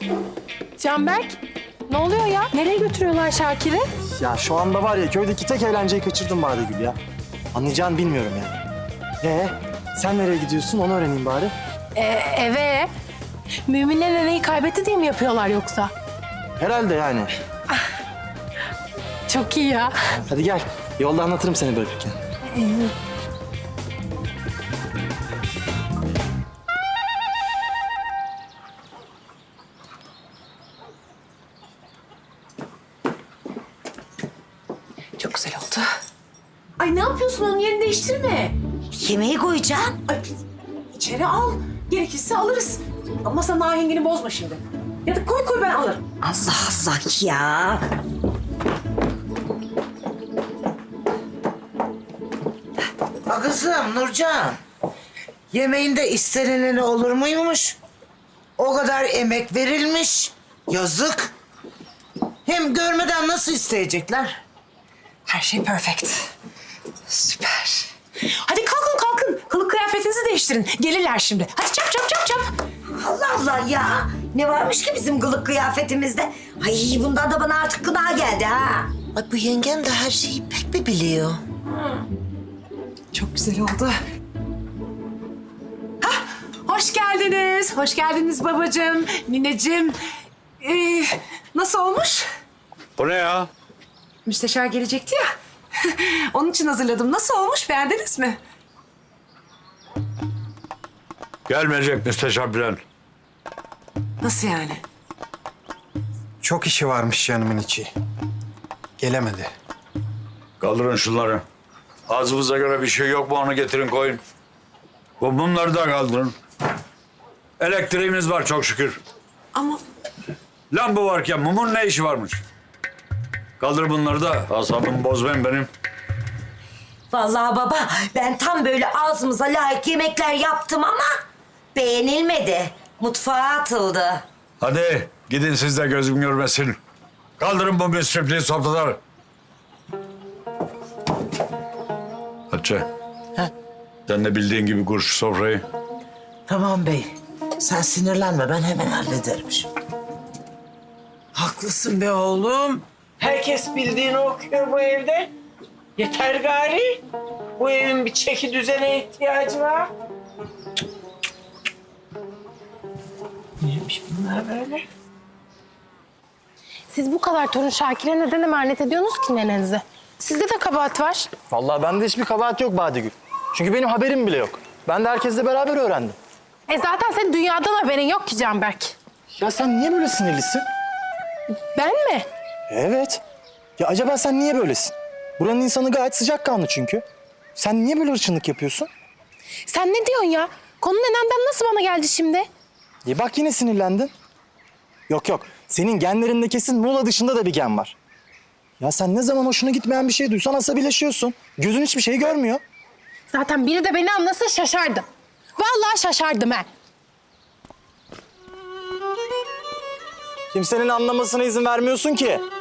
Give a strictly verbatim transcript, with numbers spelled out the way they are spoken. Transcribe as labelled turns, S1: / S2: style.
S1: Canberk, ne oluyor ya? Nereye götürüyorlar Şakir'i?
S2: Ya şu anda var ya köydeki tek eğlenceyi kaçırdım Badegül ya. Anlayacağını bilmiyorum yani. Ee, sen nereye gidiyorsun onu öğreneyim bari.
S1: Ee, eve. Müminler neneyi kaybetti diye mi yapıyorlar yoksa?
S2: Herhalde yani.
S1: Çok iyi ya.
S2: Hadi gel. Yolda anlatırım seni bırakırken.
S1: Çok güzel oldu. Ay ne yapıyorsun? Onun yerini değiştirme.
S3: Yemeği koyacağım.
S4: Ay, içeri al. Gerekirse alırız. Ama sen ahengini bozma şimdi. Ya da koy koy ben alırım.
S3: Allah Allah ya.
S5: Ha kızım Nurcan. Yemeğinde istenileni olur muymuş? O kadar emek verilmiş. Yazık. Hem görmeden nasıl isteyecekler?
S4: Her şey perfect. Süper. Hadi kalkın kalkın. Kılık kıyafetinizi değiştirin. Gelirler şimdi. Hadi çap çap çap çap.
S3: Allah Allah ya. Ne varmış ki bizim kılık kıyafetimizde? Ay bundan da bana artık gına geldi ha.
S5: Ay bu yengem de her şeyi pek bir biliyor.
S4: Çok güzel oldu. Hah, hoş geldiniz. Hoş geldiniz babacığım, nineciğim. Ee, nasıl olmuş?
S6: Bu ne ya?
S4: Müsteşar gelecekti ya. Onun için hazırladım. Nasıl olmuş? Beğendiniz mi?
S6: Gelmeyecek müsteşar Bülent.
S4: Nasıl yani?
S7: Çok işi varmış canımın içi. Gelemedi.
S6: Kaldırın şunları. Ağzımıza göre bir şey yok mu onu getirin koyun. Bu mumları da kaldırın. Elektriğimiz var çok şükür.
S4: Ama
S6: Lamba varken mumun ne işi varmış? Kaldır bunları da asabımı bozmayın benim.
S3: Vallahi baba ben tam böyle ağzımıza layık yemekler yaptım ama beğenilmedi. Mutfağa atıldı.
S6: Hadi gidin siz de gözüm görmesin. Kaldırın bu müsrifliği sofraları. Hatice. Sen de bildiğin gibi kur şu sofrayı.
S5: Tamam bey. Sen sinirlenme ben hemen hallederim şimdi.
S8: Haklısın be oğlum. Herkes bildiğini okuyor bu evde. Yeter gari. Bu evin bir çeki düzene ihtiyacı var. Neymiş bunlar böyle?
S1: Siz bu kadar torun Şakir'e neden emanet ediyorsunuz ki nenenizi? Sizde de kabahat var.
S2: Vallahi bende hiçbir kabahat yok Badegül. Çünkü benim haberim bile yok. Ben de herkesle beraber öğrendim.
S1: E zaten senin dünyadan haberin yok ki Canberk.
S2: Ya sen niye böyle sinirlisin?
S1: Ben mi?
S2: Evet. Ya acaba sen niye böylesin? Buranın insanı gayet sıcakkanlı çünkü. Sen niye böyle hırçınlık yapıyorsun?
S1: Sen ne diyorsun ya? Konu nenenden nasıl bana geldi şimdi?
S2: E bak yine sinirlendin. Yok yok. Senin genlerinde kesin Muğla dışında da bir gen var. Ya sen ne zaman hoşuna gitmeyen bir şey duysan asabileşiyorsun. Gözün hiçbir şeyi görmüyor.
S1: Zaten biri de beni anlasa şaşardım. Vallahi şaşardım ha.
S2: Kimsenin anlamasına izin vermiyorsun ki.